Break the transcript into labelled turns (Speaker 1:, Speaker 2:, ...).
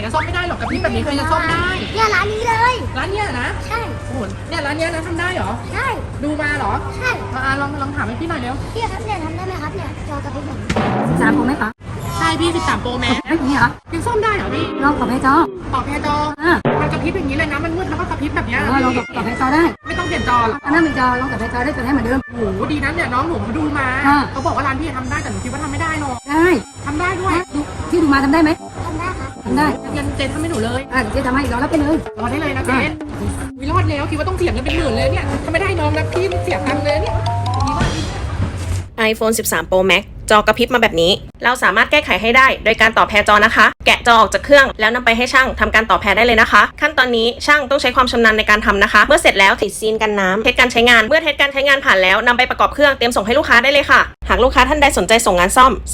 Speaker 1: นะซ่อมไม่ได้หรอกกระพริบแบบนี้ใครจะซ่อมได้
Speaker 2: เนี่ยร้านนี้เลย
Speaker 1: ร้านเนี้ยนะ
Speaker 2: ใช่
Speaker 1: โอ้โหเนี่ยร้านเนี้ยนะทำได้เหรอ
Speaker 2: ใช่
Speaker 1: ดูมาเหรอ
Speaker 2: ใช่
Speaker 1: ลองถามให้พี่หน่อยเร็ว
Speaker 2: พี่ครับเนี่ยทำได้ไหมครับเนี่ยจอกระพริบแบบนี้
Speaker 3: 13 Pro Max เหรอ
Speaker 1: ใช่พี่13 Pro Max
Speaker 3: อย่างนี้เหรอ
Speaker 1: ยังซ่อมได้เหรอพี่
Speaker 3: ลองต่อแพจอ
Speaker 1: ต่อแพจอมันกระพริบอย่างนี้เลยนะมันมืดแล้วก็กระพริบแบบนี้
Speaker 3: ลองต่อแพจอได้
Speaker 1: ไม่ต้องเปลี่ยนจอหรอ
Speaker 3: อันนั้นเป็นจอลองต่อแพจอได้ตัวนี้เหมือนเดิม
Speaker 1: โอ้โหดีนั้นเนี่ยน้องหนูดูมาเขาบอกว่าร้านพี่ทำได้แต่หนูคิดว่าทำไม่ได้หรอก
Speaker 3: ได้
Speaker 1: ทำได้ด้วย
Speaker 3: ที่ดูมาทำได้ไหม
Speaker 2: ทำได้ครับ
Speaker 3: ทำได้
Speaker 1: ยันเจนทำให้หนูเลย
Speaker 3: เจ๊ทำให้รอรับไปเลย
Speaker 1: รอได้เลยนะเจนวิรอดแล้วคิดว่าต้องเสียเงินเป็นหมื่นเลยเนี่ยถ้าไม่ได้น้องนะพี่เสียตังค์เลยเนี่ย
Speaker 4: iPhone 13 Pro Max จอกระพริบมาแบบนี้เราสามารถแก้ไขให้ได้โดยการต่อแพรจอนะคะแกะจอออกจากเครื่องแล้วนำไปให้ช่างทำการต่อแพรได้เลยนะคะขั้นตอนนี้ช่างต้องใช้ความชำนาญในการทำนะคะเมื่อเสร็จแล้วติดซีนกันน้ำเทสการใช้งานเมื่อเทสการใช้งานผ่านแล้วนำไปประกอบเครื่องเตรียมส่งให้ลูกค้าได้เลยค่ะหากลูกค้าท่านใดสนใจส่งงานซ่อม